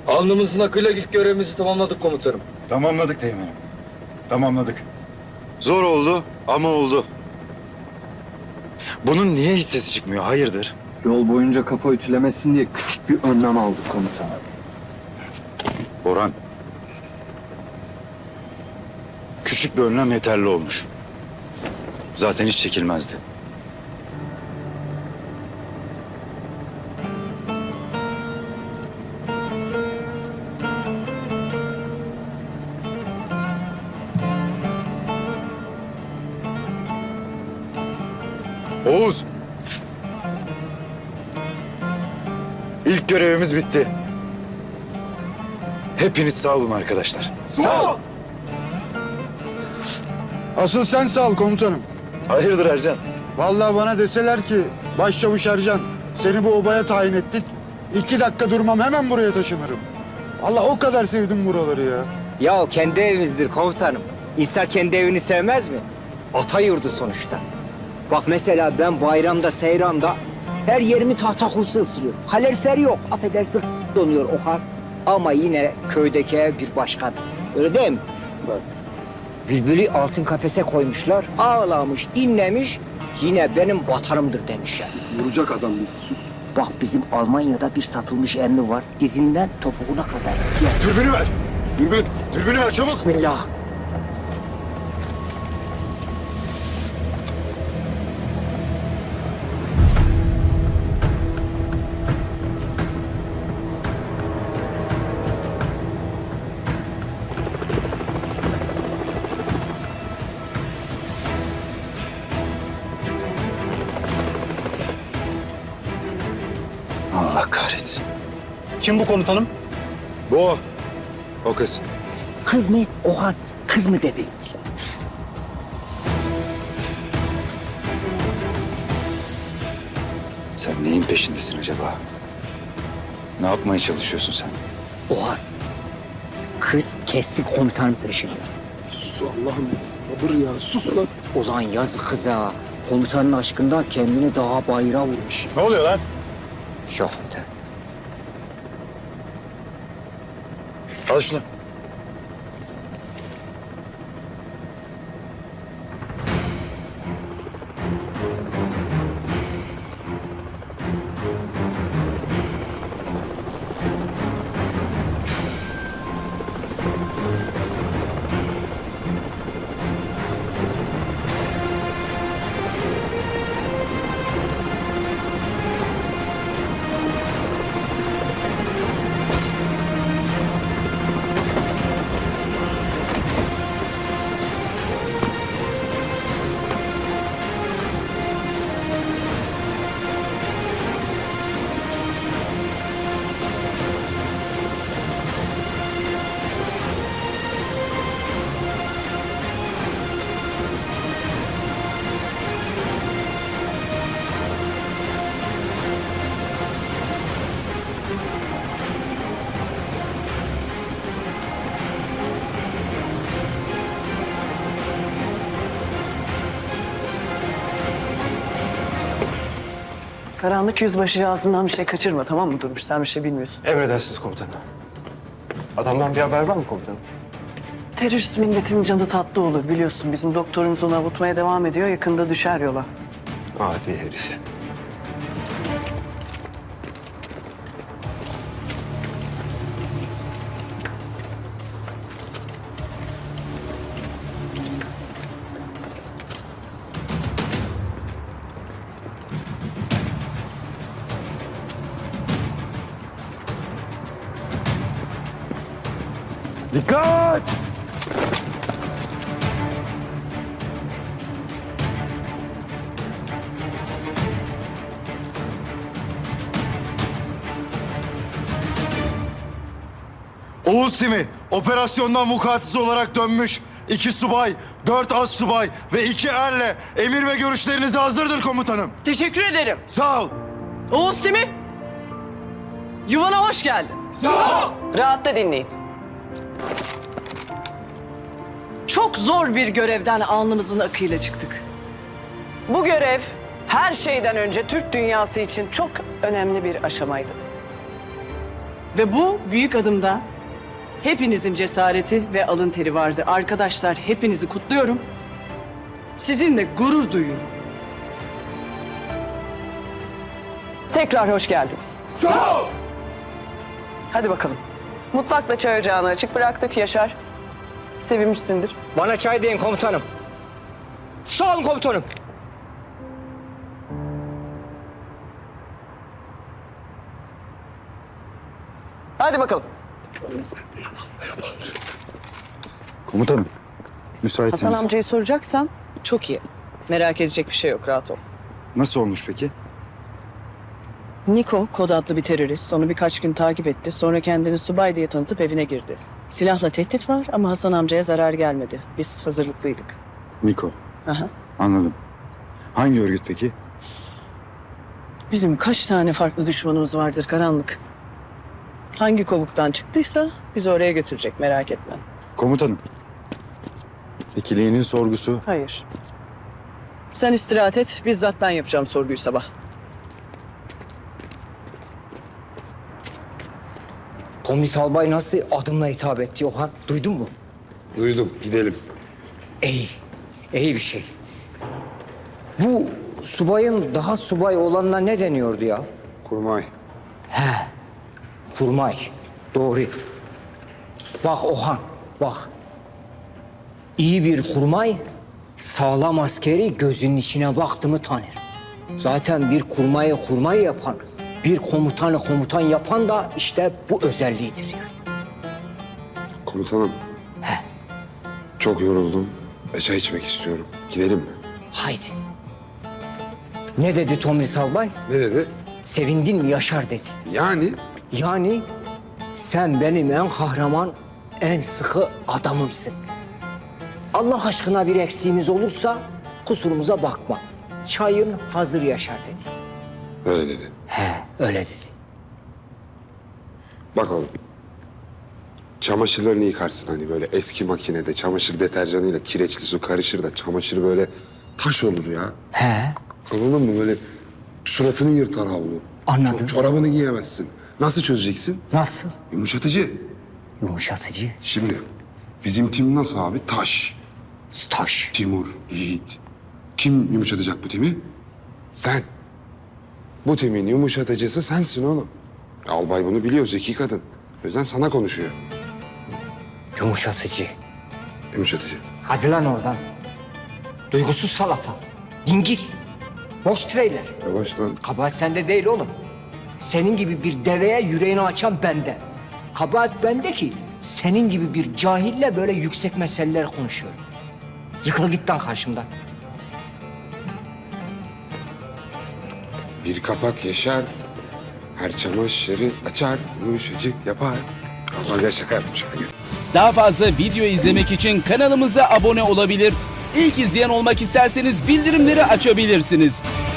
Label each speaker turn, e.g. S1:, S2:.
S1: Alnımızın akıyla ilk görevimizi tamamladık komutanım.
S2: Tamamladık teğmenim. Tamamladık. Zor oldu ama oldu. Bunun niye hiç sesi çıkmıyor? Hayırdır?
S3: Yol boyunca kafa ütülemesin diye küçük bir önlem aldık komutanım.
S2: Orhan. Küçük bir önlem yeterli olmuş. Zaten hiç çekilmezdi. Oğuz. İlk görevimiz bitti. Hepiniz sağ olun arkadaşlar.
S4: Asıl sen sağ ol komutanım.
S2: Hayırdır Ercan?
S4: Vallahi bana deseler ki Başçavuş Ercan seni bu obaya tayin ettik. 2 dakika durmam hemen buraya taşınırım. Allah o kadar sevdim buraları ya.
S5: Ya kendi evimizdir komutanım. İnsan kendi evini sevmez mi? Ata yurdu sonuçta. Bak mesela ben bayramda, seyramda her yerimi tahta kursu ısırıyor. Kalorifer yok, affedersin donuyor o kadar. Ama yine köydeki ev bir başkadır. Öyle değil mi? Bak. Bülbülü altın kafese koymuşlar, ağlamış, inlemiş. Yine benim vatanımdır demişler.
S3: Vuracak adam bizi, sus.
S5: Bak bizim Almanya'da bir satılmış emmi var. Dizinden topuğuna kadar siyah.
S2: Dürbünü ver. Dürbünü ver çabuk.
S5: Bismillah.
S2: Allah kahretsin.
S6: Kim bu komutanım?
S2: Bu o. O kız.
S5: Kız mı? Oha, kız mı dediniz?
S2: Sen neyin peşindesin acaba? Ne yapmaya çalışıyorsun sen?
S5: Oha, kız kesin komutanın peşinde.
S3: Sus Allah'ım, sabır ya, sus lan.
S5: Ulan yazık kıza. Komutanın aşkından kendini daha bayıra vurmuş.
S2: Ne oluyor lan?
S5: Çok öde.
S2: Al şunu.
S7: Karanlık yüzbaşı ağzından bir şey kaçırma, tamam mı Durmuş? Sen bir şey bilmiyorsun.
S6: Emredersiniz komutanım. Adamdan bir haber var mı komutanım?
S7: Terörist milletin canı tatlı olur biliyorsun. Bizim doktorumuz onu avutmaya devam ediyor. Yakında düşer yola.
S6: Adi herif.
S4: Dikkat!
S2: Oğuz Timi operasyondan vukuatsız olarak dönmüş. 2 subay, 4 az subay ve 2 erle emir ve görüşlerinize hazırdır komutanım.
S7: Teşekkür ederim.
S2: Sağ ol.
S7: Oğuz Timi, yuvana hoş geldin.
S2: Sağ ol.
S7: Rahatla dinleyin. Çok zor bir görevden alnımızın akıyla çıktık. Bu görev her şeyden önce Türk dünyası için çok önemli bir aşamaydı. Ve bu büyük adımda hepinizin cesareti ve alın teri vardı. Arkadaşlar hepinizi kutluyorum. Sizinle gurur duyuyorum. Tekrar hoş geldiniz.
S2: Sağ ol.
S7: Hadi bakalım. Mutfakla çay ocağını açık bıraktık Yaşar. Sevinmişsindir.
S5: Bana çay deyin komutanım. Sağ olun komutanım.
S7: Hadi bakalım.
S4: Komutanım,
S7: Hasan
S4: müsaitseniz.
S7: amcayı soracaksan çok iyi. Merak edecek bir şey yok, rahat ol.
S4: Nasıl olmuş peki?
S7: Niko, kod adlı bir terörist. Onu birkaç gün takip etti. Sonra kendini subay diye tanıtıp evine girdi. Silahla tehdit var ama Hasan amcaya zarar gelmedi. Biz hazırlıklıydık.
S4: Miko,
S7: Aha.
S4: anladım. Hangi örgüt peki?
S7: Bizim kaç tane farklı düşmanımız vardır karanlık. Hangi kovuktan çıktıysa bizi oraya götürecek, merak etme.
S4: Komutanım. İkiliğinin sorgusu.
S7: Hayır. Sen istirahat et, bizzat ben yapacağım sorguyu sabah.
S5: Komdis albay nasıl adımla hitap etti Ohan? Duydun mu?
S2: Duydum. Gidelim.
S5: İyi. İyi bir şey. Bu subayın daha subay olanına ne deniyordu ya?
S2: Kurmay.
S5: Kurmay. Doğru. Bak Ohan, bak. İyi bir kurmay, sağlam askeri gözünün içine baktı mı tanır. Zaten bir kurmayı kurmay yapan, bir komutanı komutan yapan da işte bu özelliğidir yani.
S8: Komutanım. Çok yoruldum. Çay içmek istiyorum. Gidelim mi?
S5: Haydi. Ne dedi Tomris albay?
S8: Ne dedi?
S5: Sevindin mi Yaşar dedi.
S8: Yani
S5: Yani sen benim en kahraman, en sıkı adamımsın. Allah aşkına bir eksiğimiz olursa kusurumuza bakma. Çayın hazır Yaşar dedi.
S8: öyle dedi.
S5: Öyle dedi.
S8: Bak oğlum. Çamaşırlarını yıkarsın hani böyle eski makinede çamaşır deterjanıyla kireçli su karışır da çamaşır böyle taş olur ya. Anladın mı? Böyle suratını yırtar havlu.
S5: Anladım.
S8: Çorabını giyemezsin. Nasıl çözeceksin?
S5: Nasıl?
S8: Yumuşatıcı.
S5: Yumuşatıcı.
S8: Şimdi bizim tim nasıl abi? Taş.
S5: Taş.
S8: Timur, Yiğit. Kim yumuşatacak bu timi? Sen. Bu timin yumuşatıcısı sensin oğlum. Albay bunu biliyor, zeki kadın. O yüzden sana konuşuyor.
S5: Yumuşatıcı.
S8: Yumuşatıcı.
S5: Hadi lan oradan. Duygusuz salata. Dingil. Boş treyler.
S8: Yavaş lan.
S5: Kabahat sende değil oğlum. Senin gibi bir deveye yüreğini açan bende. Kabahat bende ki senin gibi bir cahille böyle yüksek meseleler konuşuyorum. Yıkıl git lan karşımdan.
S8: Bir kapak yaşar. Her çamaşırı açar. Yumuşacık yapar. Albay şaka yapmış.
S9: Daha fazla video izlemek için kanalımıza abone olabilir. İlk izleyen olmak isterseniz bildirimleri açabilirsiniz.